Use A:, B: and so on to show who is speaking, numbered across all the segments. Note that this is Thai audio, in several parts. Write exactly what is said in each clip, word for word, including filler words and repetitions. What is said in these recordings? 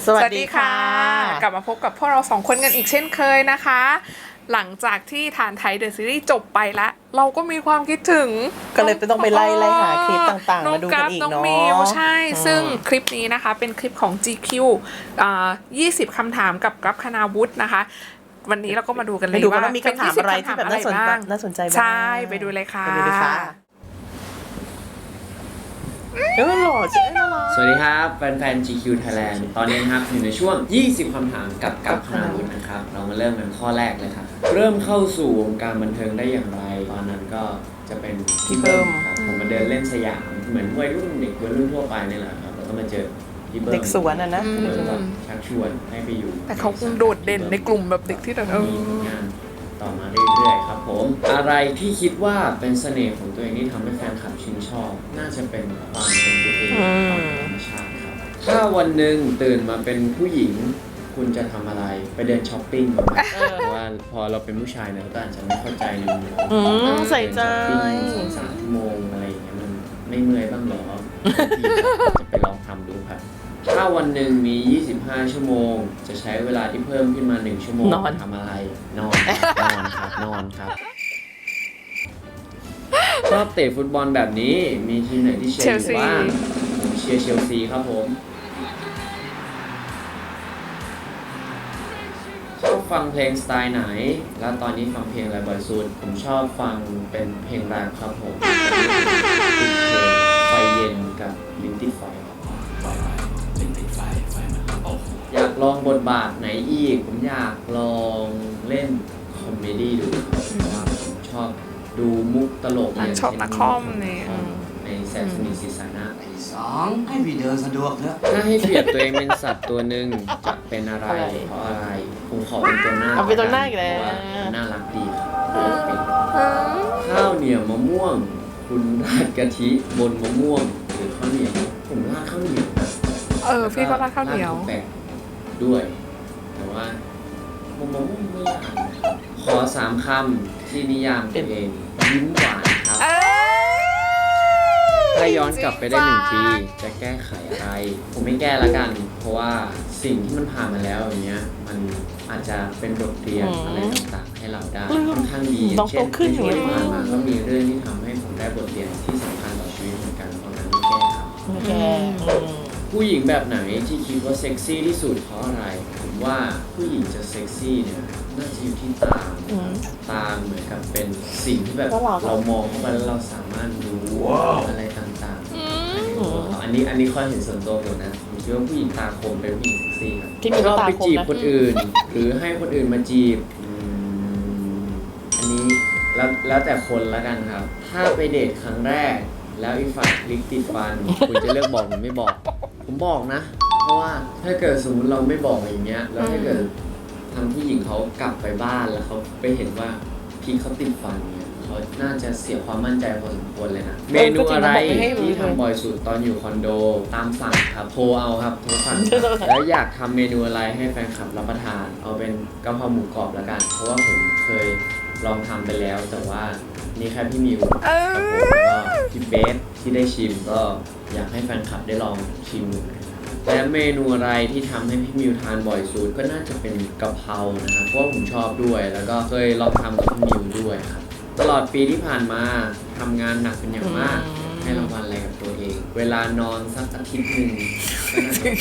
A: สวัสดีค่ะ
B: กลับมาพบกับพวกเราสองคนกันอีกเช่นเคยนะคะหลังจากที่ฐานไทยเดอะซีรีส์จบไปแล้วเราก็มีความคิดถึง
A: ก็เลยต้องไปไล่ไล่หาคลิปต่างๆมาดูกันอีกเนาะ
B: น้องมิวใช่ซึ่งคลิปนี้นะคะเป็นคลิปของ จี คิว อ่ายี่สิบคำถามกับกราฟคณาวุฒินะคะวันนี้เราก็มาดูกันเลยว่า
A: มีคำถามอะไรที่แบบน่าสนใจน่าสนใจบ้าง
B: ใช่ไปดูเลยค่ะ
A: ไปดูเลยค่ะเออหล่อจริงน่ารัก
C: สวัสดีครับแฟนๆ จี คิว Thailand ตอนนี้นะครับอยู่ในช่วงยี่สิบคำถามกับกับคณาวุฒินะครับเรามาเริ่มกันข้อแรกเลยครับเริ่มเข้าสู่วงการบันเทิงได้อย่างไรตอนนั้นก็จะเป็นพี่เบิ้มครับผมมาเดินเล่นสยามเหมือนวัยรุ่นเด็กวัยรุ่นทั่วไปนี่แหละครับแล้วก็มาเจอพี่เบิ้ม
A: เด็กสวนอ่ะนะ
C: ชักชวนให้ไปอยู่
B: แต่เขาคงโดดเด่นในกลุ่มแบบเด็กที่แบบ
C: มีงานต่อมาเรื่อยๆครับผมอะไรที่คิดว่าเป็นเสน่ห์ของตัวเองที่ทำให้แฟนคลับชื่นชอบน่าจะเป็นความเป็นตัวเองความธรรมชาติครับถ้าวันหนึ่งตื่นมาเป็นผู้หญิงคุณจะทำอะไรไปเดินช้อปปิ้งมาเพราะว่าพอเราเป็นผู้ชายเนี่ยเราก็อาจจะไม่เข้าใจในมุมของ
A: ใส่ใจ
C: สองสามชั่วโมงอะไรอย่างเงี้ยมันไม่เมื่อยบ้างหรอจะไปลองทำดูครับถ้าวันหนึ่งมี ยี่สิบห้า ชั่วโมงจะใช้เวลาที่เพิ่มขึ้นมาหนึ่งชั่วโมงทำอะไร นอน นอนครับ นอนครับ ชอบเตะฟุตบอลแบบนี้ มีทีมไหนที่เชียร์อยู่บ้างผมเชียร์เชลซีครับผม ชอบฟังเพลงสไตล์ไหน แล้วตอนนี้ฟังเพลงอะไรบ่อยสุด ผมชอบฟังเป็นเพลงแรปครับผมติดเพลงไฟเย็นกับลิ้นติดไฟอยากลองบทบาทไหนอีกผมอยากลองเล่นคอมเมดี้ดูเพราะว่าผมชอบดูมุกตลกอย่าง
B: ชอบนักคอมเนี่ย
C: ในแซมสนิซีซาน่า
D: สองให้พี่เดินสะดวกเถอะ
C: ถ้าให้เปรียบตัวเองเป็นสัตว์ตัวหนึ่งจะเป็นอะไรเพราะอะไรผมขอเป็นตัวหน้า
A: เอาเป็นตัวหน้าอีกแล้ว
C: น่ารักดีครับข้าวเหนียวมะม่วงคุณราดกะทิบนมะม่วงหรือข้าวเหนียวผมราดข้าวเหนียว
B: เออพี่ก็ราดข้าวเหนียว
C: ด้วยแต่ว่าผมมองว่าไม่ยากขอสามคำที่นิยามตัวเองยิ้มหวานครับถ้าย้อนกลับไปได้หนึ่งปีจะแก้ไขอะไรผมไม่แก้ละกันเพราะว่าสิ่งที่มันผ่านมาแล้วอย่างเงี้ยมันอาจจะเป็นบทเรียนอะไรต่างๆให้เราได้ค่อนข้างดีเช่นในช่วงที่ผ่านมาก็มีเรื่องที่ทำให้ผมได้บทเรียนที่สำคัญต่อชีวิตเหมือนกันเพราะนั้นไม่แก้ครับ
A: ไม่แก้
C: ผู้หญิงแบบไหนที่คิดว่าเซ็กซี่ที่สุดเพราะอะไรผมว่าผู้หญิงจะเซ็กซี่เนี่ยน่าจะอยู่ที่ตาตาเหมือนกับเป็นสิ่งที่แบบเรามองเข้าไปแล้วเราสามารถรู้อะไรต่างๆอันนี้อันนี้ข้อเห็นส่วนตัวผมนะผมคิดว่าผู้หญิงตาคมเป็นผู้หญิงเซ็กซี่ครับที่เราไปจีบคนอื่นหรือให้คนอื่นมาจีบอันนี้แล้วแล้วแต่คนละกันครับถ้าไปเดทครั้งแรกแล้วอีกฝ่ายลิกติดฟันคุณจะเลือกบอกหรือไม่บอกผมบอกนะเพราะว่าถ้าเกิดสมมติเราไม่บอกอย่างเงี้ยแล้วถ้าเกิดทำผู้หญิงเขากลับไปบ้านแล้วเขาไปเห็นว่าพี่เขาติดฟันเนี่ยเขาน่าจะเสียความมั่นใจพอสมควรเลยนะเมนูอะไรที่ทำบ่อยสุดตอนอยู่คอนโดตามสั่งครับโทรเอาครับโทรสั่งแล้วอยากทำเมนูอะไรให้แฟนคลับรับประทานเอาเป็นกะเพราหมูกรอบแล้วกันเพราะว่าผมเคยลองทำไปแล้วแต่ว่านี่แค่พี่มิวกับผมแล้วก็พี่เบสที่ได้ชิมก็อยากให้แฟนคลับได้ลองชิมดูและเมนูอะไรที่ทำให้พี่มิวทานบ่อยสุดก็น่าจะเป็นกะเพรานะครับเพราะว่าผมชอบด้วยแล้วก็เคยลองทำกับพี่มิวด้วยครับตลอดปีที่ผ่านมาทำงานหนักเป็นอย่างมากให้รางวัลอะไรกับตัวเองเวลานอนสักอาทิตย์หนึ่งก็น่าจะ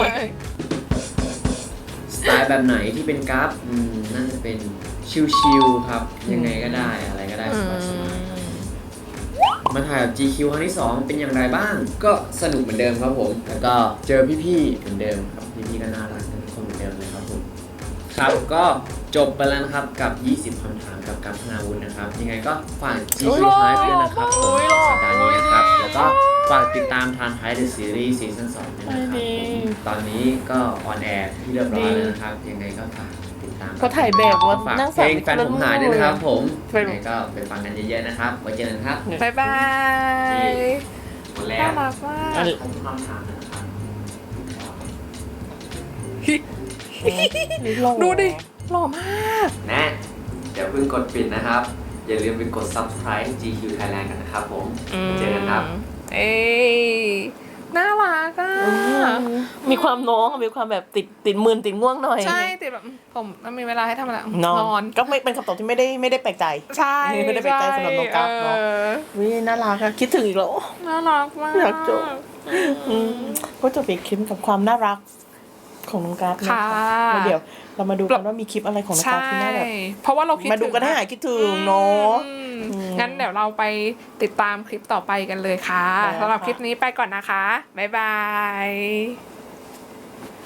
C: สไตล์แบบไหนที่เป็นกราฟน่าจะเป็นชิลๆครับยังไงก็ได้อะไรก็ได้สบายๆมาถ่ายกับ จี คิว ครั้งที่สองเป็นอย่างไรบ้างก็สนุกเหมือนเดิมครับผมแล้วก็เจอพี่ๆเหมือนเดิมครับพี่ๆก็น่ารักทุกคนเหมือนเดิมเลยครับผมครับก็จบไปแล้วนะครับกับยี่สิบคำถามกับกัปธนาวุฒินะครับยังไงก็ฝาก จี คิว Live ด้วยนะครับผมสัปดาห์นี้นะครับแล้วก็ฝากติดตามทานไทยเดอะซีรีส์ซีซั่นสองด้วยนะครับผมตอนนี้ก็ออนแอร์ที่เรียบร้อยแล้วนะครับยังไงก็ฝาก
A: เขาถ่ายแบบว่านั่ง
C: เพลงแฟนผมหายด้วยนะครับผมยังไงก็ไปฟังกันเยอะๆนะครับไว้เจอกันครับ
B: บ๊ายบาย
C: หมดแล้ว
B: น่ารักมาก
C: ผมคำถามนะครับ
B: ดูดิหล่อมาก
C: นะเดี๋ยวเพิ่งกดปิดนะครับอย่าลืมไปกด ซับสไครบ์ จี คิว Thailand กันนะครับผมเจอกันครับ
B: เอ้น่ารักอ่ะ
A: มีความน้องมีความแบบติดติดมืนติดง่วงหน่อย
B: ใช่ติดแบบผมมันมีเวลาให้ทำอะไร
A: นอน
B: นอน
A: ก็ไม่เป็นคำตอบที่ไม่ได้ไม่ได้แปลกใจ
B: ใช่
A: ไม่ได้แปลกใจสำหรับน้องกัฟเนาะ
B: ออ
A: วิน่ารักอะคิดถึงอีกแล้ว
B: น่ารักมาก
A: อยากจบ อืมก็จบอีกคลิปกับความน่ารักของน้องกัฟนะ
B: ค่ะ
A: คะแล้วเดี๋ยวเรามาดูกันว่ามีคลิปอะไรของน้องกัฟที่น่าแบบ
B: เพราะว่าเราคิด
A: มาดูกันให้
B: ถึง
A: หายคิดถึงเนาะ
B: อืม
A: อืม
B: งั้นเดี๋ยวเราไปติดตามคลิปต่อไปกันเลยค่ะ
A: ได้ค่ะ
B: สำหรับคลิปนี้ไปก่อนนะคะ บ๊ายบาย